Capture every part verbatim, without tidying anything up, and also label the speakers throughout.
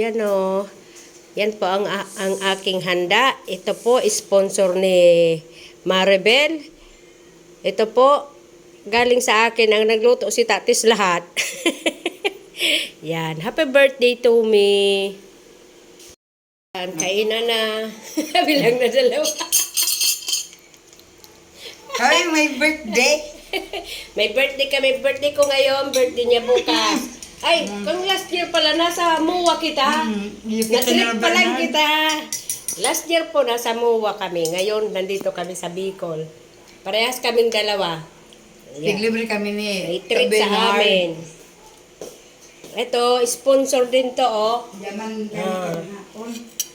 Speaker 1: yan o. Yan po ang, ang aking handa. Ito po, sponsor ni Maribel. Ito po, galing sa akin. Ang nagluto si Tatis lahat. Yan. Happy birthday to me. Yan, kainan na. Bilang na dalawa.
Speaker 2: Ay, may birthday.
Speaker 1: May birthday ka. May birthday ko ngayon. Birthday niya bukas. Ay, kung last year pala, nasa Muwa kita.
Speaker 2: Mm,
Speaker 1: Natrip pa lang kita. Last year po, nasa Muwa kami. Ngayon, nandito kami sa Bicol. Parehas kaming dalawa. Yeah.
Speaker 2: Tiglibre kami ni
Speaker 1: May treat sa amin. Ito, sponsor din to, oh.
Speaker 2: Yaman
Speaker 1: Ah.
Speaker 2: hapon.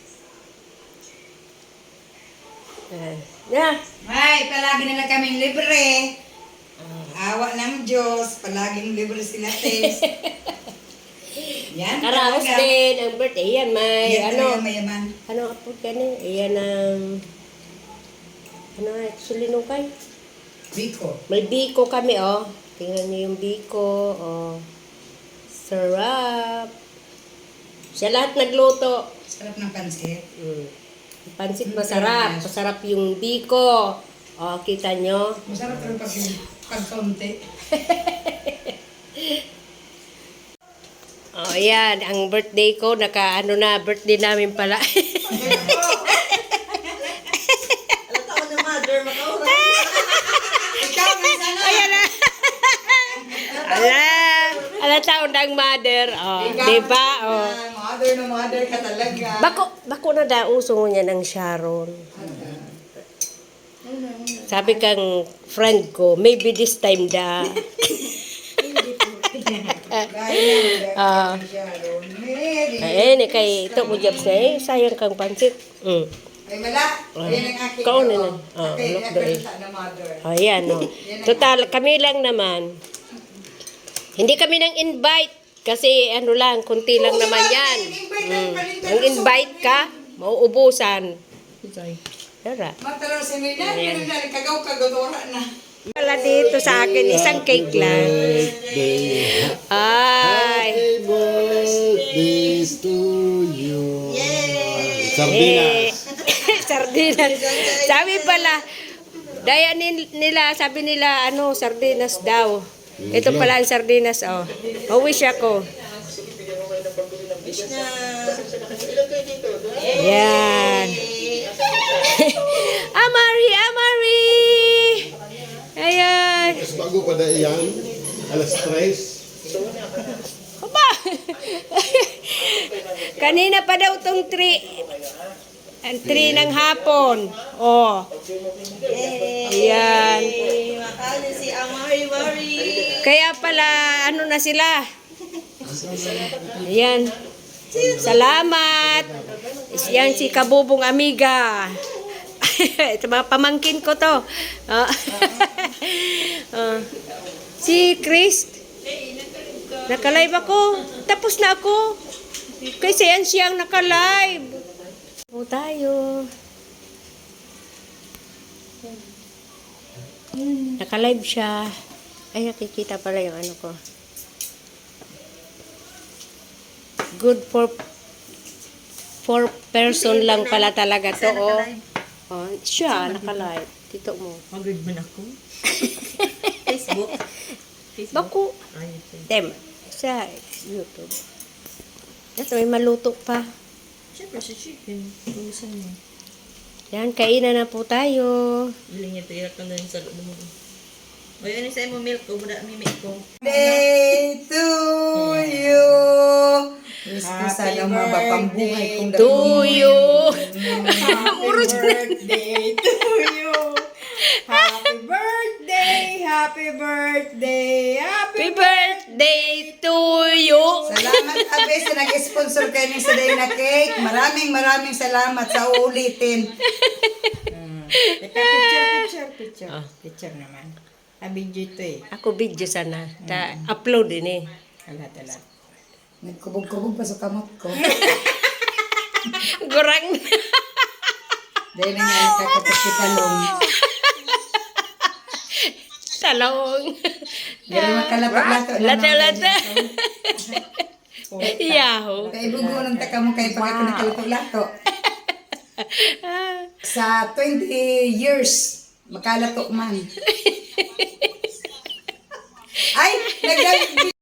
Speaker 1: Uh, yeah.
Speaker 2: Ay, palagi nila kaming libre. Awa ng Diyos, palaging libre sila, Tess. Yan,
Speaker 1: Karaos
Speaker 2: talaga.
Speaker 1: din ang birthday. Yan, may
Speaker 2: Yan
Speaker 1: ano.
Speaker 2: talaga mayaman.
Speaker 1: Ano po ka na? Ayan ang... Ano actually nung kay?
Speaker 2: Biko.
Speaker 1: May biko kami, oh. Tingnan niyo yung biko, oh. Sarap. Siya lahat nagluto.
Speaker 2: Sarap ng pansit.
Speaker 1: Mm. Yung pansit masarap. Masarap yung biko. Oh, kita nyo.
Speaker 2: Masarap rin pag pagkaunti.
Speaker 1: Oh, ayan. Ang birthday ko, naka ano na, birthday namin pala. Ayan na. Ala, ala taon ng mother. Oh, diba? Oh.
Speaker 2: Mother na mother ka talaga.
Speaker 1: Bako, bako na daw uso niya ng Sharon. Sabi kang friend ko, maybe this time da. Ah. Eh, ni kay ito mo jobs na eh. Sayang kang pansit. Mm.
Speaker 2: Ay, wala. Ayan ang aking.
Speaker 1: Kao na na.
Speaker 2: Oh,
Speaker 1: Ah,
Speaker 2: okay,
Speaker 1: look
Speaker 2: yan
Speaker 1: doon.
Speaker 2: sa na mother.
Speaker 1: Ayan, no. Total, kami lang naman. Hindi kami nang invite. Kasi ano lang, kunti lang naman yan. Mm. Ang invite ka, mauubusan. Tara.
Speaker 2: Matalaw si Mina, yun na, kagaw-kagadora na.
Speaker 1: Wala dito sa akin, isang cake lang. Ay.
Speaker 3: Happy birthdays to you.
Speaker 1: Eh,
Speaker 3: Sardinas.
Speaker 1: sardinas. Sabi pala, daya nin- nila, sabi nila, ano, sardinas daw. Ito pala ang sardinas, oh. Mawish ako. Yan. Amari, Amari! Ayan.
Speaker 3: Mas bago pa na iyan. Alas tres.
Speaker 1: Aba! Kanina pa daw tong three. Ang three ng hapon. Oh. Ayan.
Speaker 4: Makali si Amari Mari.
Speaker 1: Kaya pala, ano na sila? Ayan. Salamat. Yan si Kabubong Amiga. Ito mga pamangkin ko to. Ah. Ah. Si Chris. Naka-live ako. Tapos na ako. Kasi yan siyang naka-live. O tayo. Naka-live siya. Ay, nakikita pala yung ano ko. Good for for person lang pala talaga to, oh. Oh, siya, naka-live. Tito mo.
Speaker 4: Mag-read man ako. Facebook.
Speaker 1: Baku.
Speaker 4: Ay, okay.
Speaker 1: Dem, sa YouTube. Ito, may maluto pa.
Speaker 4: Siyempre si chicken. Kumusan mo.
Speaker 1: Yan, kainan na po tayo.
Speaker 4: Biling niya tiyak ka na yung sa loob mo. O yun, isa mo milk ko. Muna mimik ko.
Speaker 2: Day to you. Wish ko sana mapapambuhay kong
Speaker 1: Tuyo.
Speaker 2: Happy birthday to you. Happy birthday, happy birthday, happy
Speaker 1: Happy birthday to you.
Speaker 2: Salamat Abe sa nag-sponsor kayo ng Saday na cake. Maraming maraming salamat sa uulitin. Teka, picture, picture, picture. Picture naman. Abidyo ito eh.
Speaker 1: Ako video sana. Ta upload din eh.
Speaker 2: Alat, alat. Nagkubog-kubog pa sa kamot ko.
Speaker 1: Gurang.
Speaker 2: Dahil na nga kakapos kita long.
Speaker 1: Talong.
Speaker 2: Dahil makalapag-lato.
Speaker 1: Lata-lata. Yahoo!
Speaker 2: Kay bugunong taka mo kay pagka nakalato-lato. Sa twenty years, makalato man. Ay, naglag